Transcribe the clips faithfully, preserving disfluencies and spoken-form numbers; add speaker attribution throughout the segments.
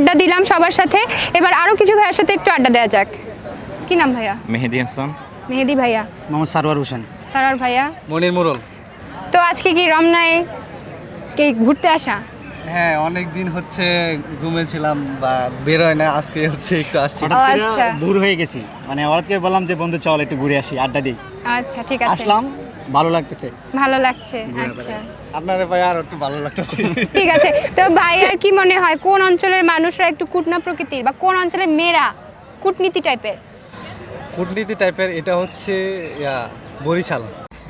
Speaker 1: আড্ডা দিলাম সবার সাথে, এবার আরো কিছু ভাইয়ের সাথে একটু আড্ডা দেওয়া যাক। কি নাম ভাইয়া?
Speaker 2: মেহেদি হাসান।
Speaker 1: মেহেদি ভাইয়া।
Speaker 3: মোহাম্মদ সারওয়ার হোসেন।
Speaker 1: সারার ভাইয়া।
Speaker 4: মনির মোরল।
Speaker 1: তো আজকে কি রমনায় কি ঘুরতে আসা?
Speaker 4: হ্যাঁ, অনেক দিন হচ্ছে ঘুমেছিলাম বা বের হয় না, আজকে হচ্ছে একটু আসছি।
Speaker 1: ও আচ্ছা,
Speaker 3: ভোর হয়ে গেছি, মানে হঠাৎ করে বললাম যে বন্ধু চল একটু ঘুরে আসি, আড্ডা দিই।
Speaker 1: আচ্ছা ঠিক আছে,
Speaker 3: আসলাম, ভালো লাগতেছে।
Speaker 1: ভালো লাগছে। আচ্ছা
Speaker 4: আপনারে ভাই আর একটু ভালো লাগতেছে।
Speaker 1: ঠিক আছে। তো ভাই আর কি মনে হয় কোন অঞ্চলের মানুষরা একটু কুটনা প্রকৃতির বা কোন অঞ্চলের মেয়েরা কূটনীতি টাইপের?
Speaker 4: কূটনীতি টাইপের এটা হচ্ছে ইয়া, বরিশাল।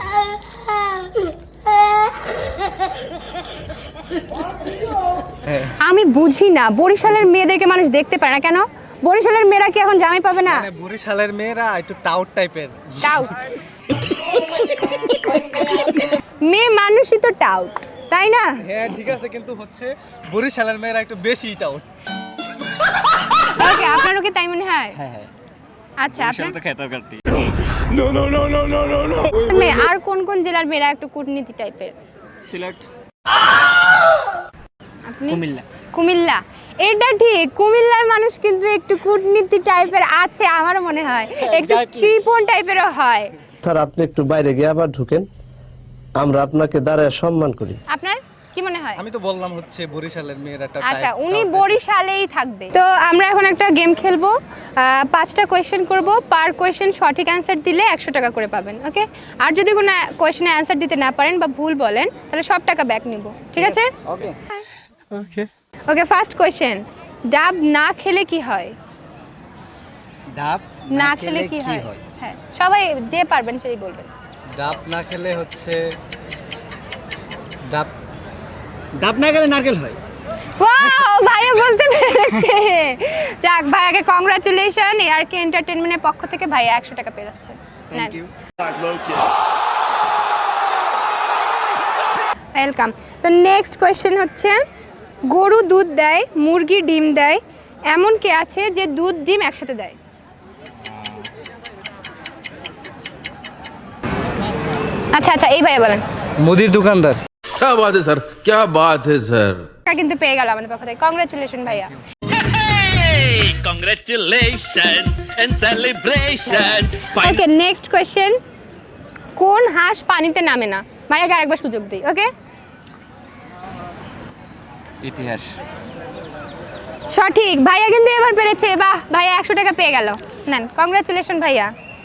Speaker 1: আমি বুঝি না বরিশালের মেয়েদেরকে মানুষ দেখতে পারে না কেন? বরিশালের মেয়েরা কি এখন জামাই পাবে না?
Speaker 4: মানে বরিশালের মেয়েরা একটু টাউট টাইপের।
Speaker 1: টাউট মেয়ে মানুষই তো টাউট, তাই না?
Speaker 4: হ্যাঁ ঠিক আছে, কিন্তু হচ্ছে বরিশালের মেয়েরা একটু বেশি টাউট।
Speaker 1: ওকে, আপনারও কি তাই মনে হয়?
Speaker 3: হ্যাঁ হ্যাঁ।
Speaker 1: আচ্ছা, আপনার
Speaker 2: তো খেতাব কাটি।
Speaker 1: মেয়ে আর কোন কোন জেলার মেয়েরা একটু কূটনীতি টাইপের?
Speaker 2: সিলেট।
Speaker 1: আপনি?
Speaker 3: কুমিল্লা।
Speaker 1: কুমিল্লা, এটা ঠিক। কুমিল্লার মানুষ কিন্তু একটু কূটনীতি টাইপের আছে, আমারও মনে হয় একটু কৃপণ টাইপেরও হয়।
Speaker 5: স্যার আপনি একটু বাইরে গিয়ে আবার ঢুকেন, আমরা আপনাকে দাঁড়ায় সম্মান করি।
Speaker 1: আপনার কি মনে হয়?
Speaker 4: আমি তো বললাম হচ্ছে বরিশালের মেয়েরা একটা
Speaker 1: আচ্ছা,
Speaker 4: type,
Speaker 1: উনি
Speaker 4: টাউট
Speaker 1: বরিশালেই থাকবে। তো আমরা এখন একটা গেম খেলবো, আহ, পাঁচটা কোয়েশ্চেন করব, পার কোয়েশ্চেন সঠিক অ্যান্সার দিলে একশো টাকা করে পাবেন। ওকে, আর যদি কোনো কোয়েশ্চেনে অ্যান্সার দিতে না পারেন বা ভুল বলেন তাহলে সব টাকা ব্যাক নিব, ঠিক আছে?
Speaker 3: ওকে
Speaker 4: ওকে।
Speaker 1: ওকে, ফার্স্ট কোয়েশ্চেন, ডাব না খেলে কি হয়?
Speaker 3: ডাব
Speaker 1: না খেলে কি হয়? হ্যাঁ, সবাই যে পারবেন সেই বলবেন।
Speaker 4: ডাব না খেলে হচ্ছে ডাব
Speaker 3: ডাব না গেলে নারকেল হয়।
Speaker 1: ওয়াও, ভাইয়া বলতে পেরেছে। যাক, ভাইয়াকে কংগ্রাচুলেশন, এআরকে এন্টারটেইনমেন্টের পক্ষ থেকে ভাইয়া একশো টাকা পেয়ে যাচ্ছে।
Speaker 3: Thank you.
Speaker 1: ওয়েলকাম। তো নেক্সট কোয়েশ্চেন হচ্ছে, গরু দুধ দেয়, মুরগি ডিম দেয়, এমন কে আছে যে দুধ ডিম একসাথে দেয়? আচ্ছা আচ্ছা, এই ভাইয়া বলেন।
Speaker 4: মুদির দোকানদার।
Speaker 6: क्या बात है सर, क्या बात है सर।
Speaker 1: টাকা কিন্তু পেয়ে গেল আমাদের পক্ষ থেকে, কংগ্রাচুলেশন ভাইয়া।
Speaker 7: Congratulations and celebrations.
Speaker 1: Okay, next question, কোন হাঁস পানিতে নামে না? ভাইয়াকে আরেকবার সুযোগ দিই। ওকে,
Speaker 2: ইতিহাস।
Speaker 1: সঠিক। ভাইয়া কিন্তু এবার পেরেছে। বাহ, ভাইয়া একশো টাকা পেয়ে গেল। নেন, কংগ্রাচুলেশন ভাইয়া।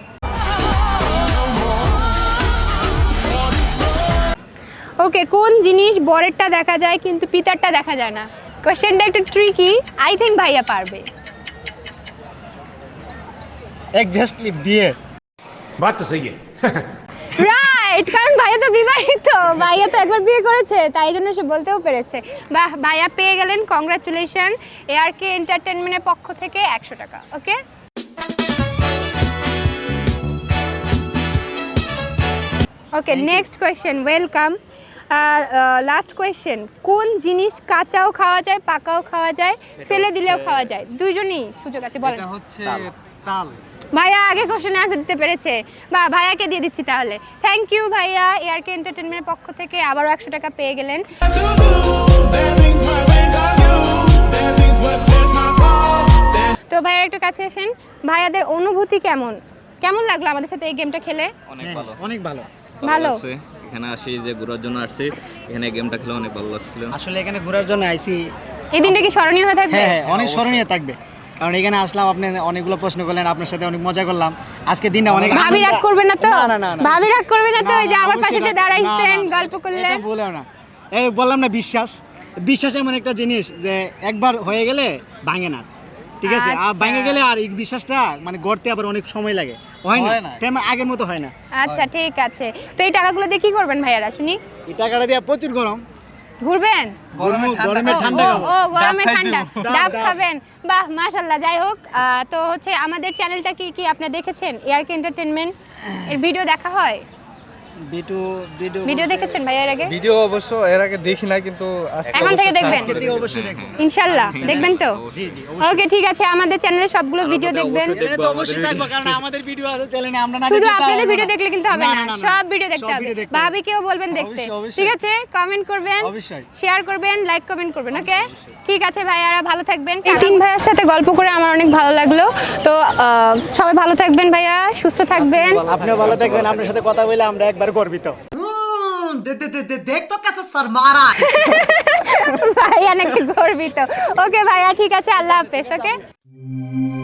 Speaker 1: ওকে, কোন জিনিস বরেরটা দেখা যায় কিন্তু পিতারটা দেখা যায় না? কোশ্চেনটা একটু ট্রিকি, আই থিঙ্ক ভাইয়া পারবে।
Speaker 3: এক্স্যাক্টলি বিয়ে।
Speaker 6: बात तो सही है।
Speaker 1: রাইট, কারণ ভাইয়া তো বিবাহিত, ভাইয়া তো একবার বিয়ে করেছে, তাই জন্য সে বলতেও পেরেছে। বাহ, ভাইয়া পেয়ে গেলেন, কংগ্রাচুলেশন, এআরকে এন্টারটেইনমেন্টের পক্ষ থেকে একশো টাকা। Okay, okay, next question, welcome. Last question, কোন জিনিস কাঁচাও খাওয়া যায়, পাকাও খাওয়া যায়, ফেলে দিলেও খাওয়া যায়? দুইজনই সুযোগ আছে, বলেন।
Speaker 4: এটা হচ্ছে তাল।
Speaker 1: ভাইয়া আগে কোশ্চেনে অ্যান্সার দিতে পেরেছে। বা ভাইয়াকে দিয়ে দিচ্ছি তাহলে। থ্যাংক ইউ ভাইয়া, এআরকে এন্টারটেইনমেন্টের পক্ষ থেকে আবারও একশো টাকা পেয়ে গেলেন। তো ভাইয়া একটু কাছে আসেন, ভাইয়াদের অনুভূতি কেমন কেমন লাগলো আমাদের সাথে এই গেমটা খেলে?
Speaker 2: অনেক ভালো।
Speaker 3: অনেক ভালো।
Speaker 1: ভালো
Speaker 2: লাগছে। এখানে আসি যে ঘোরার জন্য আসছি, এখানে গেমটা খেলে অনেক ভালো লাগছিল।
Speaker 3: আসলে এখানে ঘোরার জন্য আইছি।
Speaker 1: এই দিনটা কি স্মরণীয় হয়ে থাকবে?
Speaker 3: হ্যাঁ হ্যাঁ, অনেক স্মরণীয় থাকবে, কারণ এখানে আসলাম, আপনি অনেকগুলো প্রশ্ন করলেন, আপনার সাথে অনেক মজা করলাম। আজকে দিনটা অনেক
Speaker 1: ভাবি রাগ করবে না তো?
Speaker 3: না না না না।
Speaker 1: ভাবি রাগ করবে না তো?
Speaker 3: না,
Speaker 1: ওই যে
Speaker 3: না,
Speaker 1: আমার
Speaker 3: অবশ্যই
Speaker 1: পাশে যে
Speaker 3: রাগ-
Speaker 1: দাঁড়াইছেন,
Speaker 3: না, না,
Speaker 1: গল্প করলেন।
Speaker 3: এটা বলেও না। এই বললাম না, বিশ্বাস বিশ্বাস এমন একটা জিনিস যে একবার হয়ে গেলে ভাঙে না, ঠিক আছে? আর
Speaker 1: আচ্ছা।
Speaker 3: ভাঙে গেলে আর এই বিশ্বাসটা মানে গড়তে আবার অনেক সময় লাগে, হয় না,
Speaker 4: হয় না।
Speaker 3: তেমন আগের মতো হয় না।
Speaker 1: আচ্ছা ঠিক আছে। তো এই টাকাগুলো দিয়ে কি করবেন ভাইয়ারা শুনি?
Speaker 3: এই টাকাটা দিয়ে প্রচুর গরম,
Speaker 1: ঘুরবেন?
Speaker 4: গরমে ঠান্ডা
Speaker 3: গরমে
Speaker 1: ও,
Speaker 3: ঠান্ডা
Speaker 1: ও,
Speaker 3: খাবো।
Speaker 1: ও গরমে
Speaker 4: ডাব
Speaker 1: ঠান্ডা
Speaker 4: খাইতে
Speaker 3: ডাব,
Speaker 1: ডাব
Speaker 3: ডাব।
Speaker 1: খাবেন। বাহ, মাশাআল্লাহ। যাই হোক, আহ, তো হচ্ছে আমাদের চ্যানেলটা কি কি আপনি দেখেছেন? এআরকে এন্টারটেইনমেন্ট এর ভিডিও দেখা হয়?
Speaker 3: বিটু বিটু
Speaker 1: ভিডিও দেখেছেন ভাইয়া এর আগে?
Speaker 4: ভিডিও অবশ্য এর আগে দেখি না, কিন্তু আজকে
Speaker 1: এখন থেকে
Speaker 4: অবশ্য
Speaker 1: দেখবেন?
Speaker 3: আজকে থেকে অবশ্যই দেখবো।
Speaker 1: ইনশাআল্লাহ দেখবেন তো?
Speaker 3: জি জি
Speaker 1: ওকে ঠিক আছে, আমাদের চ্যানেলে সবগুলো ভিডিও দেখবেন।
Speaker 3: চ্যানেলে তো অবশ্যই থাকবো, কারণ আমাদের ভিডিও আছে চ্যানেলে, আমরা না
Speaker 1: শুধু
Speaker 3: দেখলে তো
Speaker 1: আপনাদের
Speaker 3: হবে
Speaker 1: ভিডিও
Speaker 3: না।
Speaker 1: দেখলে কিন্তু হবে
Speaker 3: না,
Speaker 1: না,
Speaker 3: না, না, না।
Speaker 1: সব ভিডিও দেখতে
Speaker 3: সব
Speaker 1: হবে।
Speaker 3: ভিডিও দেখতে হবে।
Speaker 1: ভাবিকেও বলবেন দেখতে,
Speaker 3: অবশ্যই, অবশ্যই।
Speaker 1: ঠিক আছে? কমেন্ট করবেন,
Speaker 3: অবশ্যই।
Speaker 1: শেয়ার করবেন, লাইক কমেন্ট করবেন, ওকে? ঠিক আছে ভাইয়ারা, ভালো থাকবেন। এই তিন ভাইয়ার সাথে গল্প করে আমার অনেক ভালো লাগলো। তো আহ, সবাই ভালো থাকবেন ভাইয়া, সুস্থ থাকবেন।
Speaker 3: আপনিও ভালো থাকবেন, আপনার সাথে কথা বলে আমরা একবার গর্বিত।
Speaker 1: ভাইয়া নাকি গর্বিত। ওকে ভাইয়া, ঠিক আছে, আল্লাহ হাফেজ। ওকে।